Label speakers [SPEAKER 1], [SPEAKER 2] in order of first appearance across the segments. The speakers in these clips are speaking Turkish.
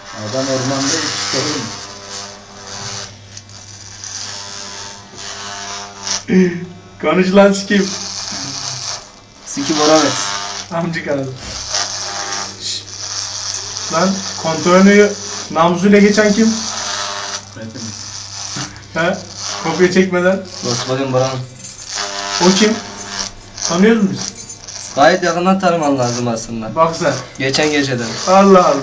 [SPEAKER 1] Adam ormanda yetişti oğlum.
[SPEAKER 2] Konuş lan sikeyim.
[SPEAKER 3] Siki Boravet.
[SPEAKER 2] Amcık aradı. Lan kontrolünü namusuyla geçen kim?
[SPEAKER 1] Hepimiz.
[SPEAKER 2] He? Kopya çekmeden.
[SPEAKER 3] Volkswagen Boran.
[SPEAKER 2] O kim? Tanıyoruz mu biz?
[SPEAKER 3] Gayet yakından tanıman lazım aslında.
[SPEAKER 2] Bak sen.
[SPEAKER 3] Geçen geceden.
[SPEAKER 2] Allah Allah.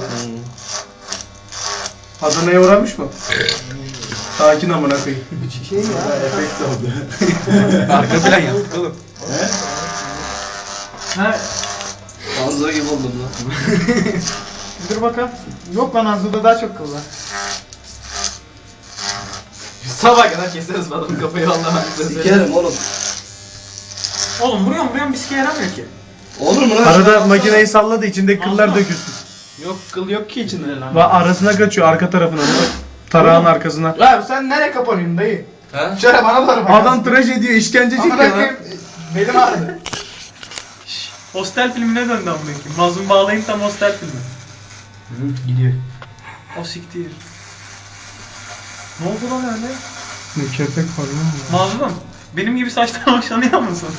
[SPEAKER 2] Adana'ya uğramış mı? Sakin amına koyayım.
[SPEAKER 1] Şey ya. Efekt oldu.
[SPEAKER 2] Arka plan yaptık oğlum.
[SPEAKER 4] Ha,
[SPEAKER 3] Anzo gibi oldum lan.
[SPEAKER 4] dur bakalım. Yok lan Anzu'da daha çok kıl var.
[SPEAKER 5] Sabah kadar keseriz adamın kafayı vallahi.
[SPEAKER 3] Sikerim oğlum.
[SPEAKER 4] Oğlum vuruyorum bir sike yaramıyor ki.
[SPEAKER 3] Olur mu lan?
[SPEAKER 2] Arada makineyi salladı içindeki kıllar dökülsün.
[SPEAKER 5] Yok kıl yok ki içinde lan.
[SPEAKER 2] Ve arasına kaçıyor arka tarafına. Tarağın arkasına.
[SPEAKER 4] Lan sen nereye kapanıyorsun dayı?
[SPEAKER 3] He?
[SPEAKER 4] Şöyle bana doğru bak.
[SPEAKER 2] Adam tıraş ediyor, işkence çekiyor
[SPEAKER 4] Amına
[SPEAKER 2] lan.
[SPEAKER 4] koyayım, belim ağrıdı.
[SPEAKER 6] Hostel filmine döndü amına koyayım. Mazlum bağlayın tam hostel filmi.
[SPEAKER 4] Gidiyor.
[SPEAKER 6] O siktir. Ne oldu lan öyle?
[SPEAKER 2] Ne köpek var lan.
[SPEAKER 6] Mazlum, benim gibi saçtan hoşlanıyor musun?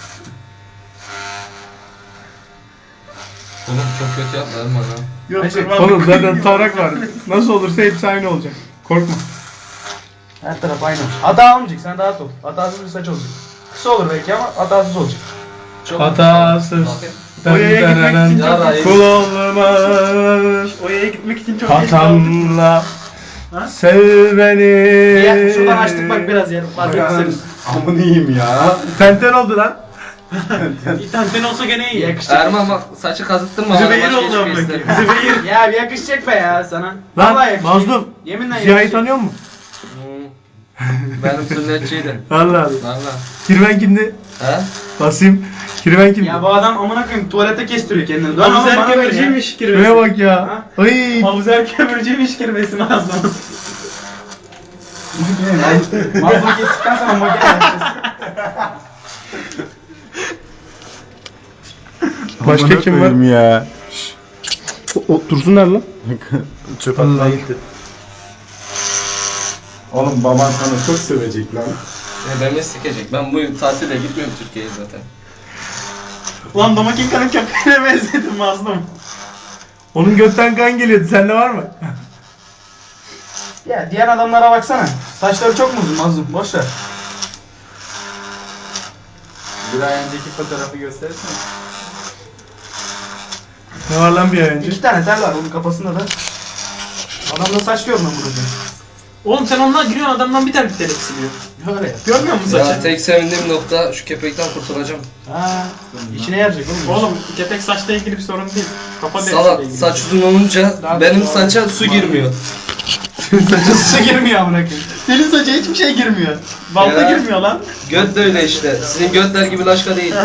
[SPEAKER 3] Oğlum çok kötü yapma lan bana.
[SPEAKER 6] Yok,
[SPEAKER 4] Neyse,
[SPEAKER 2] Oğlum zaten tarak var. Nasıl olursa hepsi aynı olacak. Korkma.
[SPEAKER 4] Her taraf aynı. Hata olmayacak, sen rahat ol. Hatasız bir saç olacak. Kısa olur belki ama hatasız olacak.
[SPEAKER 3] Çok
[SPEAKER 2] Hatasız.
[SPEAKER 3] Bakayım.
[SPEAKER 6] Oraya gitmek için
[SPEAKER 3] Ya da
[SPEAKER 2] Kul olmaz.
[SPEAKER 6] Oya'ya gitmek için çok geç kaldım.
[SPEAKER 2] Hatamla
[SPEAKER 6] Ha?
[SPEAKER 2] sev beni.
[SPEAKER 4] Ya şuradan açtık bak biraz yer. Fark etseniz.
[SPEAKER 1] Amını yiyeyim ya.
[SPEAKER 2] Tenten oldu lan.
[SPEAKER 6] İnternetten olsa gene iyi.
[SPEAKER 4] Yakışacak.
[SPEAKER 3] Erman bak saçı kazıttırma.
[SPEAKER 6] Zübeyir
[SPEAKER 3] Başka
[SPEAKER 6] oldu
[SPEAKER 3] hiçbir
[SPEAKER 6] amına
[SPEAKER 3] ister.
[SPEAKER 6] koyayım. Zübeyir.
[SPEAKER 4] Ya bir yakışacak be ya sana.
[SPEAKER 2] Lan
[SPEAKER 4] Vallahi yakışacak.
[SPEAKER 2] Mazlum.
[SPEAKER 4] Yeminle
[SPEAKER 2] Ziya'yı
[SPEAKER 4] yakışacak.
[SPEAKER 2] tanıyor musun?
[SPEAKER 3] Benim sünnetçiydi.
[SPEAKER 2] Allah Allah.
[SPEAKER 3] Valla.
[SPEAKER 2] Kirven kimdi?
[SPEAKER 3] He?
[SPEAKER 2] Basim. Kirven kimdi?
[SPEAKER 4] Ya bu adam amına koyayım tuvalete kestiriyor kendini. Dön oğlum
[SPEAKER 6] Abuzer
[SPEAKER 4] bana ver ya.
[SPEAKER 6] kömürcüymüş
[SPEAKER 2] Şuraya
[SPEAKER 6] kirvesi.
[SPEAKER 2] bak ya. Ay.
[SPEAKER 6] Abuzer kömürcüymüş kirvesi Mazlum.
[SPEAKER 4] Mazlum kestikten sonra makine yapacağız.
[SPEAKER 2] Başka kim var?
[SPEAKER 1] Ya.
[SPEAKER 2] Dursunlar lan.
[SPEAKER 1] Çöp atmaya gitti. Oğlum baban sana çok sövecek lan.
[SPEAKER 3] Beni sikecek. Ben bu tatilde gitmiyorum Türkiye'ye zaten.
[SPEAKER 6] Ulan Domakinka'nın köpeğine benzedim Mazlum.
[SPEAKER 2] Onun götten kan geliyordu. Sende var mı?
[SPEAKER 4] Ya diğer adamlara baksana. Saçları çok mu uzun Mazlum? Boş ver.
[SPEAKER 1] Bir ay önceki fotoğrafı göstersene.
[SPEAKER 2] Ne var lan bir ay önce?
[SPEAKER 4] 2 tane tel var onun kafasında da. Adamda saç görmüyor burada.
[SPEAKER 6] Oğlum sen onunla giriyorsun adamdan bir tane bir tane eksiliyor.
[SPEAKER 4] Öyle ya.
[SPEAKER 6] Görmüyor musun
[SPEAKER 3] Ya
[SPEAKER 6] saçı?
[SPEAKER 3] tek sevindiğim nokta şu köpekten kurtulacağım.
[SPEAKER 4] Ha, işine yarayacak oğlum.
[SPEAKER 6] Oğlum kepek saçla ilgili bir sorun değil. Kafa derisiyle
[SPEAKER 3] Salak
[SPEAKER 6] ilgili.
[SPEAKER 3] saç uzun olunca
[SPEAKER 4] Daha
[SPEAKER 3] benim
[SPEAKER 4] doğru.
[SPEAKER 3] saça su girmiyor.
[SPEAKER 4] Su girmiyor amına koyayım.
[SPEAKER 6] Senin saça hiçbir şey girmiyor. Balta
[SPEAKER 3] Ya.
[SPEAKER 6] girmiyor lan.
[SPEAKER 3] Göt de öyle işte. Sizin götler gibi laşka değil.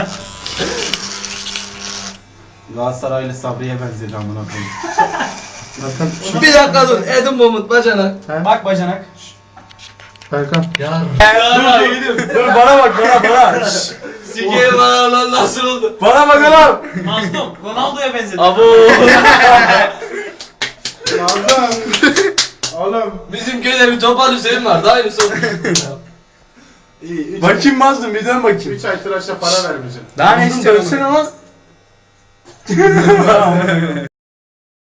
[SPEAKER 1] Galatasaraylı Sabri'ye benzedi amına koyayım.
[SPEAKER 3] Bir dakika dur. Edim Bomut bacana.
[SPEAKER 4] Bak bacanak.
[SPEAKER 2] Erkan.
[SPEAKER 3] Ya.
[SPEAKER 2] Dur bana bak bana.
[SPEAKER 3] Sikeyim bana lan nasıl oldu?
[SPEAKER 2] Bana bak oğlum.
[SPEAKER 6] Mazlum Ronaldo'ya benzedi.
[SPEAKER 3] Abo.
[SPEAKER 1] Oğlum.
[SPEAKER 3] Bizim köyde bir Topal Hüseyin vardı. Aynısı oldu.
[SPEAKER 1] İyi.
[SPEAKER 2] Bakayım Mazlum bir dön bakayım.
[SPEAKER 1] 3 ay tıraşa para vermeyeceğim.
[SPEAKER 4] Daha ne
[SPEAKER 2] Mazlum
[SPEAKER 4] istiyorsun?
[SPEAKER 2] dövsene lan.